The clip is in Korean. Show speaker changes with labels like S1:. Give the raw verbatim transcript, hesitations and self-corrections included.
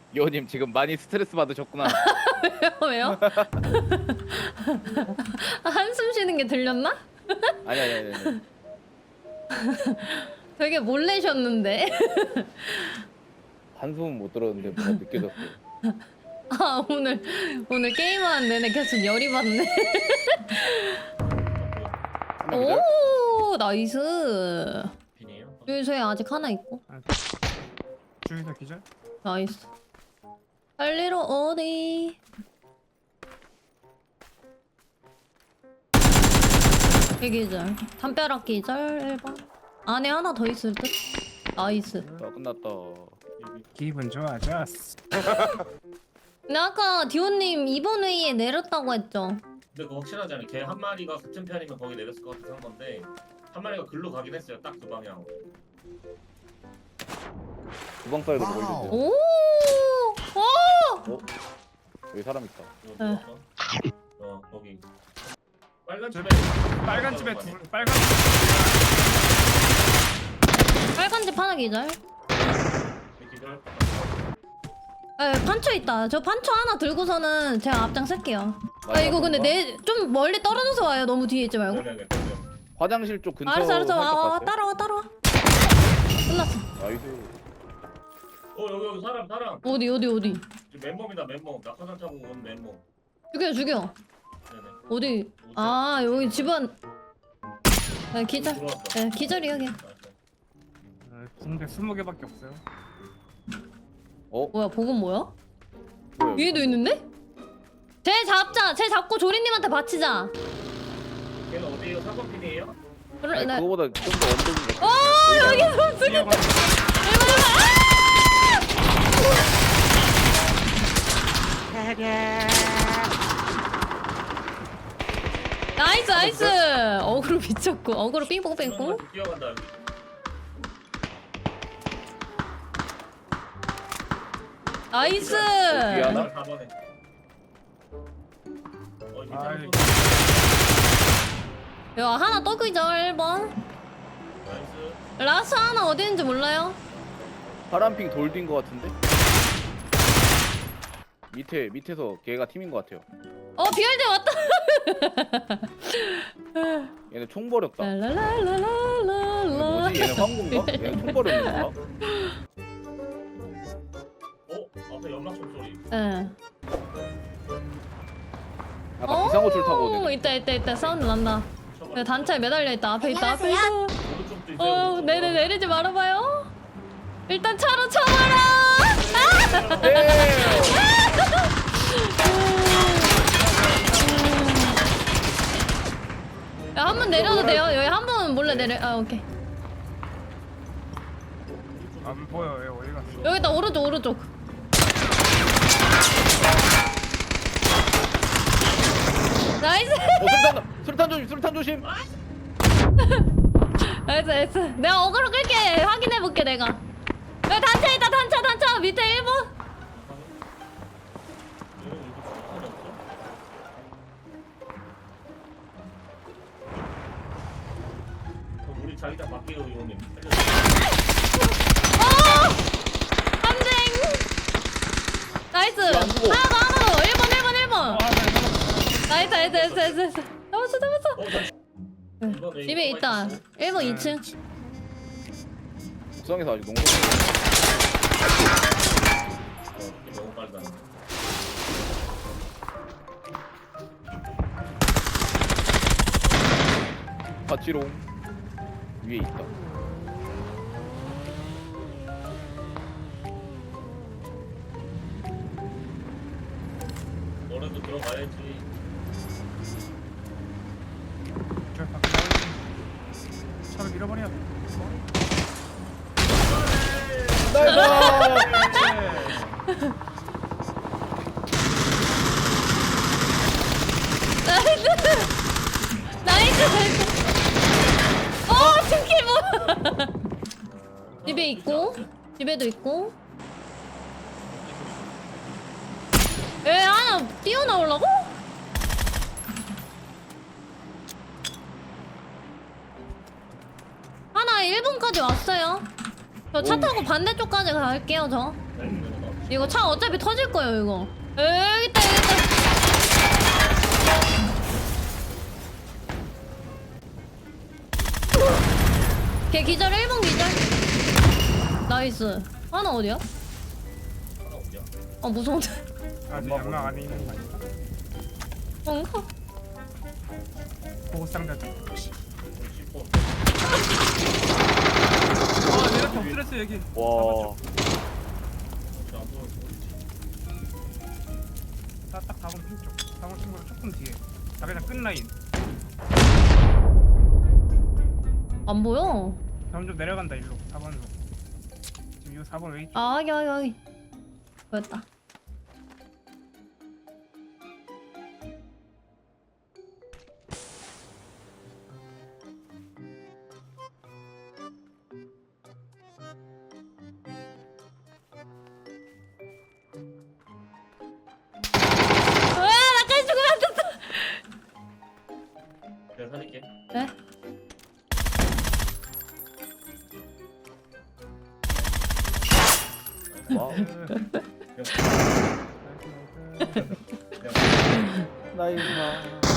S1: 여우님 지금 많이 스트레스 받으셨구나.
S2: 왜요? 한숨 쉬는 게 들렸나?
S1: 아니 아니 아니. 아니.
S2: 되게 몰래셨는데.
S1: 한숨은 못 들었는데 뭔가 느껴졌어.
S2: 아 오늘 오늘 게임하는 내내 계속 열이 받네.
S1: 하나 기절?
S2: 오 나이스.
S3: 빈이에요?
S2: 여기서에 아직 하나 있고.
S4: 중에서 기절?
S2: 나이스. 빨리로 어디? 기절. 담벼락 기절 일 번. 안에 하나 더 있을 듯. 나이스.
S1: 아, 끝났다.
S3: 여기
S4: 기분 좋아졌어.
S2: 근데 아까 디오님 이번 회의에 내렸다고 했죠.
S3: 근데 그거 확실하지 않아요. 걔 한 마리가 같은 편이면 거기 내렸을 것 같아서 한 건데 한 마리가 글로 가긴 했어요. 딱 그 방향.
S1: 주방 사이드로 걸리죠.
S2: 오. 오.
S1: 어? 여기 사람 있다.
S3: 이거
S2: 네.
S3: 들어왔어? 어 거기. 빨간
S4: 저
S3: 집에
S4: 빨간 집에 둘, 빨간
S2: 빨간 집 하나 기절.
S3: 기절.
S2: 에 판초 있다. 저 판초 하나 들고서는 제가 앞장 쓸게요. 아 이거 근데 내 좀 멀리 떨어져서 와요. 너무 뒤에 있지 말고.
S3: 네네네.
S1: 화장실 쪽 근처.
S2: 알았어 알았어. 와,
S1: 살짝
S2: 와, 와
S1: 갔어요?
S2: 따라와 따라와. 끝났어.
S1: 나이스.
S3: 어 여기 여기 사람 사람.
S2: 어디 어디 어디.
S3: 지금 맨몸이다 맨몸. 낙하산 타고 온 맨몸.
S2: 죽여 죽여.
S3: 네네.
S2: 어디? 아 여기 집안. 네, 기절.
S3: 들어왔다.
S2: 네, 기절이 여기.
S3: 나이스.
S4: 어, 붕대 스무 개밖에 없어요.
S1: 어?
S2: 뭐야 복은 뭐야?
S1: 뭐야?
S2: 위에도 있는데? 쟤 잡자. 쟤 잡고 조리님한테 바치자.
S3: 걔는 어디에요? 사건 핀이에요?
S2: 그래
S1: 아니,
S2: 네.
S1: 그거보다 좀 더 언덕인 거.
S2: 어 여기서 쓰겠다. 나이스 나이스. 어그로 미쳤고 어그로 삥뽕 뺑뽕.
S3: 뛰어간다 여기.
S2: 나이스.
S1: 뒤에 하나?
S3: 사 번에. 어 이게
S4: 아이.
S3: 잘못
S2: 야 하나 또 기절 일 번.
S3: 나이스.
S2: 라스 하나 어디 있는지 몰라요?
S1: 파란핑 돌딘 거 같은데? 밑에 밑에서 걔가 팀인 거 같아요.
S2: 어 비알제 왔다.
S1: 얘네 총 버렸다. 이거
S2: 랄랄랄랄랄라.
S1: 뭐지? 얘네 황군가? 얘네 총 버렸는 건가?
S3: 어? 앞에 연막 총소리.
S2: 예.
S1: 아까 비상호출 타고
S2: 오,
S1: 오네.
S2: 있다 있다 있다 사운드 난다. 네, 단차에 매달려 있다. 앞에 있다 앞에 있다.
S3: 오른쪽도 있어요.
S2: 어,
S3: 오른쪽.
S2: 네네 내리지 말아봐요. 일단 차로 쳐봐라. 아!
S1: 네.
S2: 야, 한 번 내려도 돼요? 여기 한 번 몰래 내려. 아, 오케이.
S4: 안 보여. 얘 어디 갔어?
S2: 여기다 오른쪽 오른쪽. 나이스.
S1: 어, 술탄 술탄 조심 술탄 조심.
S2: 나이스 나이스. 내가 어그로 끌게. 확인해 볼게 내가. 여기 단차 있다 단차 단차 밑에 일 번.
S3: 얘는 이렇게 총알이 없어? 그럼 우리 자기장 맡기로 이호님.
S2: 한쟁. 나이스.
S1: 안 죽어.
S2: 하나 더 하나 더. 일 번 일 번 일 번.
S4: 아, 네,
S2: 나이스 나이스 나이스 나이스 나이스. 잡았어 잡았어.
S3: 어, 나 이번에
S2: 집에
S3: 이거
S2: 있다.
S3: 있었어?
S2: 일 번 이 층.
S1: 구성에서 아직 농구.
S3: 어, 이게 너무 빠르다.
S1: 파치롱 위에 있다.
S3: 너네도 들어가야지.
S4: 저 밖에 나오지. 차를 밀어버려.
S2: 나이스. 나이스 나이스. 어 팀킬 뭐. 집에 있고 집에도 있고. 에 하나 뛰어나오려고? 하나 일 번까지 왔어요. 저 차
S1: 오우.
S2: 타고 반대쪽까지 갈게요 저. 이거 차 어차피 터질 거예요 이거. 여기 있다 여기 있다. 걔 기절 일 번 기절. 나이스. 하나 어디야?
S3: 하나 어디야?
S2: 아 무서운데.
S4: 아직 연막 안에 있는 거 아닌가?
S2: 뭔가?
S4: 보고 상자 좀.
S3: 씹고.
S4: 아 내가 엎드렸어 여기.
S1: 와.
S3: 안 보여.
S4: 딱딱 사 번 핀쪽. 사 번 친구랑 조금 뒤에. 자기장 끝 라인.
S2: 안 보여.
S4: 점점 내려간다 일로. 사 번으로. 지금 이 사 번 웨이트.
S2: 아 여기 여기 여기. 보였다. 으아 나까지 죽으면 안 된다.
S3: 내가 살릴게.
S2: 네?
S1: 와우.
S3: 그냥
S1: 나이스.